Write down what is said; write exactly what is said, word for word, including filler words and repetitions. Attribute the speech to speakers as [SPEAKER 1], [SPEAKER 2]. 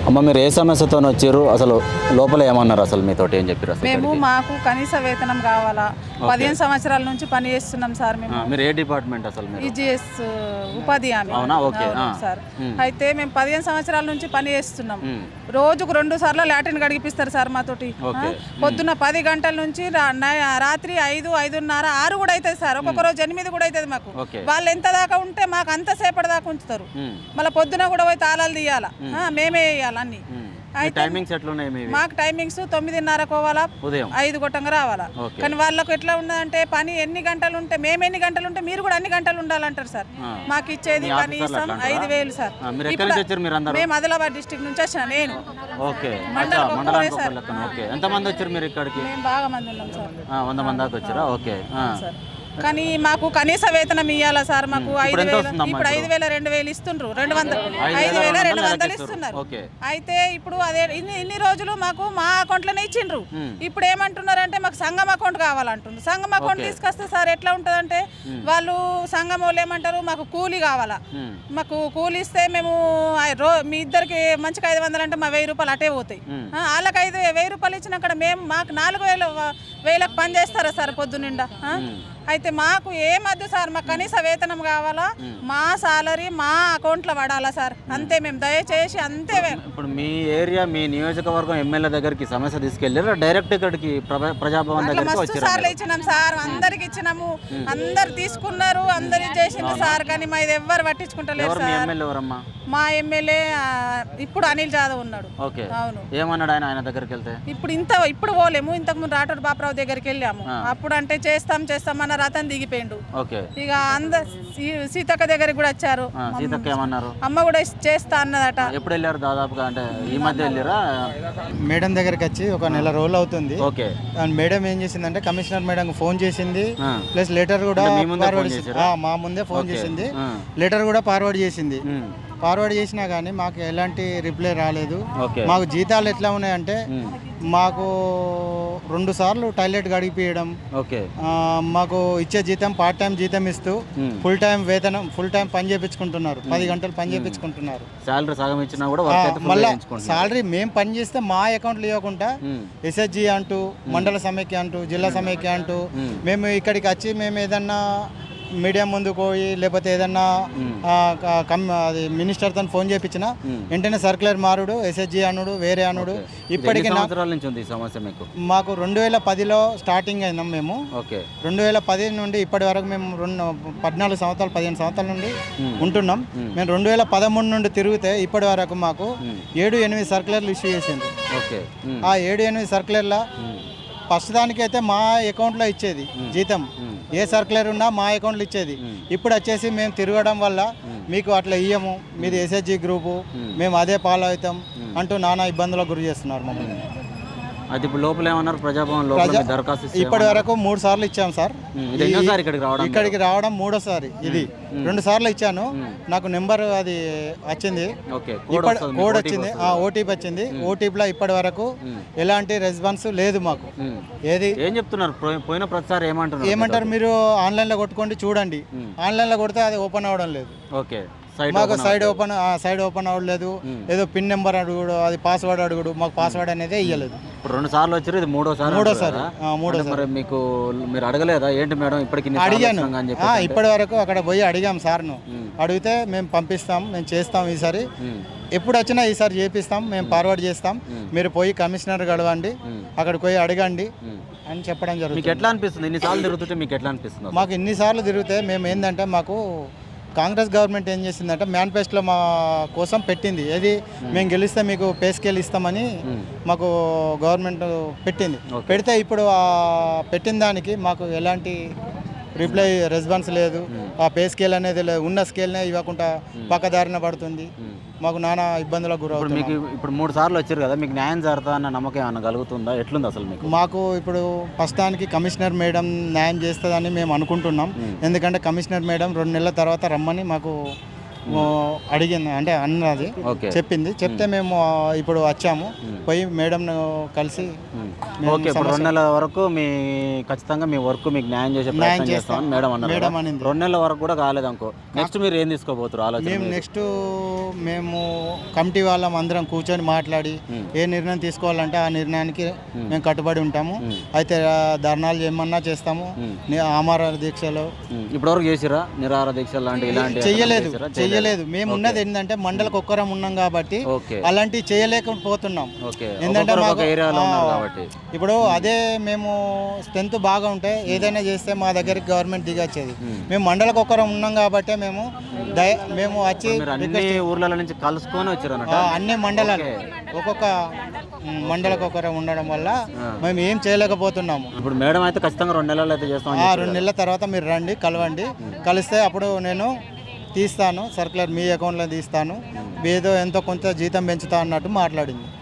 [SPEAKER 1] అమ్మ మీరు ఏ సమస్యతో వచ్చారు, అసలు లోపల ఏమన్నారు, అసలు మీతోటి ఏం చెప్పారు? అసలు
[SPEAKER 2] మేము
[SPEAKER 1] ఇక్కడికి?
[SPEAKER 2] మాకు కనీస వేతనం కావాలా. పదిహేను సంవత్సరాల నుంచి పని చేస్తున్నాం సార్ మేము.
[SPEAKER 1] ఆ, మీరు ఏ డిపార్ట్మెంట్ అసలు? మీరు
[SPEAKER 2] ఈజీఎస్ ఉపాధి హామీ.
[SPEAKER 1] అవునా? ఓకే.
[SPEAKER 2] అవును
[SPEAKER 1] ఆ.
[SPEAKER 2] సార్.
[SPEAKER 1] ఉమ్.
[SPEAKER 2] అయితే మేము పదిహేను సంవత్సరాల నుంచి పని చేస్తున్నాం.
[SPEAKER 1] ఉమ్.
[SPEAKER 2] రోజుకు రెండు సార్లు లాటిన్ గడిపిస్తారు సార్ మాతోటి.
[SPEAKER 1] ఓకే.
[SPEAKER 2] ఆ, పొద్దున్న పది గంటల నుంచి రా- నై- రాత్రి ఐదు ఐదున్నర ఆరు కూడా అవుతుంది సార్. ఒక్కొక్క రోజు ఎనిమిది కూడా అవుతుంది మాకు.
[SPEAKER 1] ఓకే.
[SPEAKER 2] వాళ్ళు ఎంత దాకా ఉంటే మాకు అంత సేపటి దాకా ఉంచుతారు.
[SPEAKER 1] ఉమ్.
[SPEAKER 2] మళ్ళీ పొద్దున కూడా పోయి తాళాలు తీయాలా, ఆ, మేమే వేయాలి అన్ని.
[SPEAKER 1] ఉమ్. మీ
[SPEAKER 2] అయితే
[SPEAKER 1] టైమింగ్స్ ఎట్లున్నాయి మీవి?
[SPEAKER 2] మాకు టైమింగ్స్ తొమ్మిదిన్నర పోవాలా,
[SPEAKER 1] ఉదయం
[SPEAKER 2] ఐదు గొట్టంగా రావాలా.
[SPEAKER 1] ఓకే.
[SPEAKER 2] కానీ వాళ్ళకు ఎట్లా ఉన్నదంటే పని ఎన్ని గంటలు ఉంటే మేము ఎన్ని గంటలు ఉంటే మీరు కూడా అన్ని గంటలు ఉండాలంటారు సార్.
[SPEAKER 1] ఆ.
[SPEAKER 2] మాకు ఇచ్చేది
[SPEAKER 1] మీ ఆఫీసర్లు
[SPEAKER 2] కనీసం
[SPEAKER 1] అట్లా అంటారా?
[SPEAKER 2] ఐదు వేలు సార్.
[SPEAKER 1] ఆ, మీరు ఎక్కడి
[SPEAKER 2] ఇప్పుడు
[SPEAKER 1] నుంచి వచ్చారు మీరు అందరూ?
[SPEAKER 2] మేము ఆదిలాబాద్ డిస్టిక్ నుంచి వచ్చిన నేను.
[SPEAKER 1] ఓకే.
[SPEAKER 2] మండలం
[SPEAKER 1] అచ్చా,
[SPEAKER 2] ఒక్కరే
[SPEAKER 1] మండలానికి
[SPEAKER 2] సార్.
[SPEAKER 1] ఒక లెక్కన. ఓకే. ఎంతమంది వచ్చారు మీరు ఇక్కడికి?
[SPEAKER 2] మేము బాగా మంది ఉన్నాం సార్.
[SPEAKER 1] ఆ, వంద మంది దాకా వచ్చారా? ఓకే. ఆ.
[SPEAKER 2] సార్ కానీ మాకు కనీస వేతనం ఇవ్వాలా సార్. మాకు ఐదు
[SPEAKER 1] ఇప్పుడు ఎంత
[SPEAKER 2] వేలు
[SPEAKER 1] వస్తుందమ్మా
[SPEAKER 2] ఇప్పుడు
[SPEAKER 1] ఇప్పుడు?
[SPEAKER 2] ఐదు వేల రెండు వేలు ఇస్తుండ్రు, రెండు వందలు
[SPEAKER 1] ఐదు
[SPEAKER 2] ఐదు
[SPEAKER 1] వేల
[SPEAKER 2] వేల
[SPEAKER 1] రెండు
[SPEAKER 2] రెండు
[SPEAKER 1] వందలు
[SPEAKER 2] వందలు
[SPEAKER 1] ఇస్తారు.
[SPEAKER 2] ఇస్తున్నారు.
[SPEAKER 1] ఓకే.
[SPEAKER 2] అయితే ఇప్పుడు అదే ఇన్ని ఇన్ని రోజులు మాకు మా అకౌంట్లోనే ఇచ్చిండ్రు.
[SPEAKER 1] మ్మ్.
[SPEAKER 2] ఇప్పుడు ఏమంటున్నారంటే మాకు సంఘం అకౌంట్ కావాలంటున్నారు. సంఘం అకౌంట్
[SPEAKER 1] ఓకే.
[SPEAKER 2] తీసుకొస్తే సార్ ఎట్లా ఉంటుందంటే వాళ్ళు సంఘం వాళ్ళు ఏమంటారు, మాకు కూలీ కావాలా.
[SPEAKER 1] ఉమ్.
[SPEAKER 2] మాకు కూలి ఇస్తే మేము ఆ రో మీ ఇద్దరికి మంచిగా ఐదు వందలు అంటే మా వెయ్యి రూపాయలు అటే పోతాయి.
[SPEAKER 1] మ్మ్.
[SPEAKER 2] ఆ, వాళ్ళకి ఐదు వెయ్యి రూపాయలు ఇచ్చినాక మేము మాకు నాలుగు వేలు వేలకు పని చేస్తారా సార్ పొద్దునిండా? ఆ? అయితే మాకు ఏమద్దు సార్, మాకు కనీస వేతనం కావాలా. మా సాలరీ మా అకౌంట్లో పడాలా సార్, అంతే. మేము దయచేసి అంతే.
[SPEAKER 1] ఇప్పుడు మీ ఏరియా మీ నియోజకవర్గం ఎమ్మెల్యే దగ్గరికి సమస్య తీసుకెళ్ళారు, డైరెక్ట్ ఇక్కడికి ప్రభ- ప్రజాభవన్
[SPEAKER 2] అట్లా
[SPEAKER 1] దగ్గరికి
[SPEAKER 2] మస్తు
[SPEAKER 1] వచ్చారు?
[SPEAKER 2] సార్లు ఇచ్చినాం సార్, అందరికి ఇచ్చినాము, అందరు తీసుకున్నారు, అందరు చేసిండ్రు సార్. కానీ మా ఇది ఎవ్వరు పట్టించుకుంటలేరు
[SPEAKER 1] ఎవరు మీ
[SPEAKER 2] సార్.
[SPEAKER 1] ఎమ్మెల్యే ఎవరమ్మా?
[SPEAKER 2] మా ఎమ్మెల్యే ఆ, ఇప్పుడు అనిల్ జాదవ్ ఉన్నాడు.
[SPEAKER 1] ఓకే.
[SPEAKER 2] అవును.
[SPEAKER 1] ఏమన్నాడు ఆయన ఆయన దగ్గరికి వెళ్తే?
[SPEAKER 2] ఇప్పుడు ఇంత ఇప్పుడు పోలేము, ఇంతకు ముందు రాటూరు బాపరావు దగ్గరికి వెళ్ళాము. అప్పుడు అంటే చేస్తాం చేస్తాం అన్న రతన్ దిగిపోయిండు.
[SPEAKER 1] ఓకే.
[SPEAKER 2] ఇక అంద సీ- సీతక్క దగ్గరికి కూడా వచ్చారు.
[SPEAKER 1] ఆ, సీతక్క ఏమన్నారు?
[SPEAKER 2] అమ్మ కూడా చేస్తా అన్నదట.
[SPEAKER 1] ఎప్పుడు వెళ్ళారు దాదాపుగా? అంటే ఈ మధ్య వెళ్ళారా?
[SPEAKER 3] మేడం దగ్గరికి వచ్చి ఒక నెల రోజులు అవుతుంది.
[SPEAKER 1] ఓకే.
[SPEAKER 3] అండ్ మేడం ఏం చేసిందంటే కమిషనర్ మేడం ఫోన్ చేసింది,
[SPEAKER 1] ఆ.
[SPEAKER 3] ప్లస్ లెటర్ కూడా
[SPEAKER 1] అంటే మీ ముందే
[SPEAKER 3] ఫార్వర్డ్
[SPEAKER 1] ఫోన్
[SPEAKER 3] చేసి-
[SPEAKER 1] చేశారా?
[SPEAKER 3] ఆ, మా ముందే ఫోన్
[SPEAKER 1] ఓకే.
[SPEAKER 3] చేసింది,
[SPEAKER 1] ఆ.
[SPEAKER 3] లెటర్ కూడా ఫార్వర్డ్ చేసింది.
[SPEAKER 1] ఉమ్.
[SPEAKER 3] ఫార్వర్డ్ చేసినా కానీ మాకు ఎలాంటి రిప్లై రాలేదు.
[SPEAKER 1] ఓకే.
[SPEAKER 3] మాకు జీతాలు ఎట్లా ఉన్నాయంటే
[SPEAKER 1] ఉమ్.
[SPEAKER 3] మాకు రెండు సార్లు టాయిలెట్ గడిపియడం,
[SPEAKER 1] ఓకే.
[SPEAKER 3] ఆ, మాకు ఇచ్చే జీతం పార్ట్ టైం జీతం ఇస్తూ
[SPEAKER 1] ఉమ్.
[SPEAKER 3] ఫుల్ టైం వేతనం ఫుల్ టైం పని చేయించుకుంటున్నారు, పది గంటలు పని చేయించుకుంటున్నారు.
[SPEAKER 1] శాలరీ సగం ఇచ్చినా కూడా వర్క్ అయితే full
[SPEAKER 3] మళ్ళీ
[SPEAKER 1] చేయించుకుంటున్నారు.
[SPEAKER 3] సాలరీ మేము పని చేస్తే మా అకౌంట్లో ఇవ్వకుండా
[SPEAKER 1] ఉమ్.
[SPEAKER 3] ఎస్హెచ్జి అంటూ, మండల సమైక్య అంటూ, జిల్లా సమైక్య అంటూ,
[SPEAKER 1] మ్మ్.
[SPEAKER 3] మేము ఇక్కడికి వచ్చి మేము ఏదన్నా మీడియా ముందుకు పోయి లేకపోతే ఏదన్నా
[SPEAKER 1] మ్మ్.
[SPEAKER 3] ఆ, క- కమ్ అది మినిస్టర్తో ఫోన్ చేయించిన
[SPEAKER 1] మ్మ్.
[SPEAKER 3] వెంటనే సర్క్యులర్ మారుడు, ఎస్హెచ్జి అనుడు, వేరే అనుడు.
[SPEAKER 1] ఓకే. ఇది
[SPEAKER 3] ఇప్పటికి
[SPEAKER 1] ఎన్ని
[SPEAKER 3] నా-
[SPEAKER 1] సంవత్సరాల నుంచి ఉంది ఈ సమస్య మీకు?
[SPEAKER 3] మాకు రెండు వేల పదిలో స్టార్టింగ్ అయినాం మేము.
[SPEAKER 1] ఓకే.
[SPEAKER 3] రెండు వేల పది నుండి ఇప్పటి వరకు మేము రెండు పద్నాలుగు సంవత్సరాలు పదిహేను సంవత్సరాల నుండి
[SPEAKER 1] మ్మ్.
[SPEAKER 3] ఉంటున్నాం.
[SPEAKER 1] మ్మ్.
[SPEAKER 3] మేము రెండు వేల పదమూడు నుండి తిరిగితే ఇప్పటి వరకు మాకు
[SPEAKER 1] మ్మ్.
[SPEAKER 3] ఏడు ఎనిమిది సర్క్యులర్లు ఇష్యూ చేసింది.
[SPEAKER 1] ఓకే. ఉమ్.
[SPEAKER 3] ఆ ఏడు ఎనిమిది సర్క్యులర్ల
[SPEAKER 1] ఉమ్.
[SPEAKER 3] ఫస్ట్ దానికైతే మా అకౌంట్లో ఇచ్చేది జీతం,
[SPEAKER 1] మ్మ్.
[SPEAKER 3] ఏ సర్క్యులర్ ఉన్నా మా అకౌంట్లో ఇచ్చేది.
[SPEAKER 1] మ్మ్.
[SPEAKER 3] ఇప్పుడు వచ్చేసి మేము తిరగడం వల్ల మీకు అట్లా ఇయ్యము, మీది ఎస్హెచ్జి గ్రూపు,
[SPEAKER 1] మ్మ్.
[SPEAKER 3] మేము అదే ఫాలో అవుతాం అంటూ నానా ఇబ్బందులకు గురి చేస్తున్నారు మమ్మల్ని.
[SPEAKER 1] అది ఇప్పుడు లోపల ఏమన్నారు? ప్రజాభవన్ లోపల
[SPEAKER 3] ప్రజా
[SPEAKER 1] మీ దరఖాస్తు ఇస్తే
[SPEAKER 3] ఇప్పటి వరకు మూడు సార్లు ఇచ్చాం సార్.
[SPEAKER 1] ఉమ్. ఇది ఎన్నోసారి ఇక్కడికి రావడం?
[SPEAKER 3] ఇక్కడికి రావడం మూడోసారి. ఇది రెండు సార్లు ఇచ్చాను, నాకు నెంబర్ అది వచ్చింది,
[SPEAKER 1] ఓకే. కోడ్
[SPEAKER 3] ఇప్పటి
[SPEAKER 1] వస్తుంది,
[SPEAKER 3] కోడ్
[SPEAKER 1] ఓటీపీ
[SPEAKER 3] వచ్చింది,
[SPEAKER 1] వస్తుంది.
[SPEAKER 3] ఆ ఓటీపీ వచ్చింది. ఓటీపీలో ఇప్పటి వరకు
[SPEAKER 1] మ్మ్.
[SPEAKER 3] ఎలాంటి రెస్పాన్స్ లేదు మాకు.
[SPEAKER 1] ఉమ్.
[SPEAKER 3] ఏది
[SPEAKER 1] ఏం చెప్తున్నారు? పోయి- పోయిన ప్రతిసారి ఏమంటున్నారు?
[SPEAKER 3] ఏమంటారు, మీరు ఆన్లైన్లో కొట్టుకోండి చూడండి. ఆన్లైన్లో కొడితే అది ఓపెన్ అవ్వడం లేదు.
[SPEAKER 1] ఓకే. సైడ్
[SPEAKER 3] మాకు
[SPEAKER 1] open
[SPEAKER 3] side open side open అవ్వలేదు. ఏదో పిన్ నెంబర్ అడుగుడు, అది పాస్వర్డ్ అడుగుడు, మాకు పాస్వర్డ్ అనేది ఇవ్వలేదు.
[SPEAKER 1] ఇప్పుడు రెండు సార్లు వచ్చారు, ఇది మూడోసారి
[SPEAKER 3] మూడోసారి,
[SPEAKER 1] అంటారు కదా?
[SPEAKER 3] ఆ, మూడోసారి.
[SPEAKER 1] అంటే మరి మీకు మీరు అడగలేదా ఏంటి మేడం ఇప్పటికి ఇన్ని సార్లు
[SPEAKER 3] అడిగాను,
[SPEAKER 1] వచ్చినాం అని చెప్పి?
[SPEAKER 3] ఆ, ఇప్పటి వరకు అక్కడ పోయి అడిగాం సార్ను.
[SPEAKER 1] మ్మ్.
[SPEAKER 3] అడిగితే మేము పంపిస్తాం, మేము చేస్తాం, ఈసారి
[SPEAKER 1] ఉమ్.
[SPEAKER 3] ఎప్పుడు వచ్చినా ఈసారి చేపిస్తాం, మేము ఫార్వర్డ్ చేస్తాం, మీరు పోయి కమిషనర్ గడవండి, అక్కడికి పోయి అడగండి అని చెప్పడం
[SPEAKER 1] మీకు
[SPEAKER 3] జరుగుతుంది.
[SPEAKER 1] ఎట్లా అనిపిస్తుంది ఇన్నిసార్లు తిరుగుతుంటే? మీకు ఎట్లా అనిపిస్తుంది అసలు?
[SPEAKER 3] మాకు ఇన్నిసార్లు తిరిగితే మేము ఏంటంటే, మాకు కాంగ్రెస్ గవర్నమెంట్ ఏం చేసిందంటే మేనిఫెస్టోలో మా కోసం పెట్టింది, ఏది మేము గెలిస్తే మీకు పే స్కేల్ ఇస్తామని మాకు గవర్నమెంట్ పెట్టింది. పెడితే ఇప్పుడు ఆ పెట్టిన దానికి మాకు ఎలాంటి రిప్లై రెస్పాన్స్ లేదు. ఆ పే స్కేల్ అనేది లేదు, ఉన్న స్కేల్నే ఇవ్వకుండా పక్కదారిన పడుతుంది. మాకు నానా ఇబ్బందులకు
[SPEAKER 1] ఇప్పుడు
[SPEAKER 3] గురవుతుంది.
[SPEAKER 1] మీకు ఇప్పుడు మూడు సార్లు వచ్చారు కదా, మీకు న్యాయం జరుగుతా అన్న నమ్మకం ఏమన్నా కలుగుతుందా? ఎట్లుంది అసలు మీకు?
[SPEAKER 3] మాకు ఇప్పుడు ప్రస్తుతానికి కమిషనర్ మేడం న్యాయం చేస్తుందని మేము అనుకుంటున్నాం. ఎందుకంటే కమిషనర్ మేడం రెండు నెలల తర్వాత రమ్మని మాకు ఓ, అడిగింది, అంటే అన్నది
[SPEAKER 1] ఓకే.
[SPEAKER 3] చెప్పింది. చెప్తే మేము ఆ, ఇప్పుడు వచ్చాము. పోయి మేడంను కలిసి మేము
[SPEAKER 1] ఓకే ఇప్పుడు రెండు నెలల వరకు మీ ఖచ్చితంగా మీ వర్క్ మీకు న్యాయం చేసే ప్రయత్నం చేస్తామని మేడం అన్నారు
[SPEAKER 3] మేడం
[SPEAKER 1] కదా.
[SPEAKER 3] అనింది.
[SPEAKER 1] రెండు నెలల వరకు కూడా కాలేదు అనుకో, నెక్స్ట్ మీరు ఏం తీసుకోబోతున్నారు ఆలోచన
[SPEAKER 3] మేము
[SPEAKER 1] మీరు?
[SPEAKER 3] నెక్స్ట్ మేము కమిటీ వాళ్ళం అందరం కూర్చొని మాట్లాడి ఏ నిర్ణయం తీసుకోవాలంటే ఆ నిర్ణయానికి మేము కట్టుబడి ఉంటాము. అయితే ఆ, ధర్నాలు ఏమన్నా చేస్తాము, ని- ఆమర దీక్షలు
[SPEAKER 1] ఉమ్, ఇప్పటివరకు చేసిరా నిరాహార దీక్ష లాంటి ఇలాంటి
[SPEAKER 3] చెయ్యలేదు
[SPEAKER 1] చేసిరా?
[SPEAKER 3] చెయ్యలేదు. మేము ఉన్నది ఏంటంటే మండలకు ఒక్కరం ఉన్నాం కాబట్టి
[SPEAKER 1] ఓకే
[SPEAKER 3] అలాంటివి చేయలేకపోతున్నాం.
[SPEAKER 1] ఓకే
[SPEAKER 3] ఏంటంటే
[SPEAKER 1] ఒక్కొక్కరు
[SPEAKER 3] మాకు
[SPEAKER 1] ఒక ఏరియాలో ఉన్నారు
[SPEAKER 3] ఆ,
[SPEAKER 1] కాబట్టి
[SPEAKER 3] ఇప్పుడు అదే మేము స్ట్రెంత్ బాగా ఉంటే ఏదైనా చేస్తే మా దగ్గరికి గవర్నమెంట్ దిగొచ్చేది. మేము మండలకు ఒక్కరం ఉన్నాం కాబట్టి మేము దయ మేము వచ్చి
[SPEAKER 1] మీరు అన్ని ఊర్ల నుంచి కలుసుకొని వచ్చారు అన్నట్టు.
[SPEAKER 3] ఆ, అన్ని మండలాలు ఒక్కొక్క మ్, మండలకు ఒకరం ఉండడం వల్ల మేము ఏం చేయలేకపోతున్నాము.
[SPEAKER 1] ఇప్పుడు మేడం అయితే ఖచ్చితంగా రెండు నెలలు అయితే చేస్తామని
[SPEAKER 3] ఆ
[SPEAKER 1] చెప్పారు.
[SPEAKER 3] రెండు నెలల తర్వాత మీరు రండి, కలవండి, కలిస్తే అప్పుడు నేను తీస్తాను సర్క్యులర్ మీ అకౌంట్లో తీస్తాను, ఏదో ఎంతో కొంత జీతం పెంచుతా అన్నట్టు మాట్లాడింది.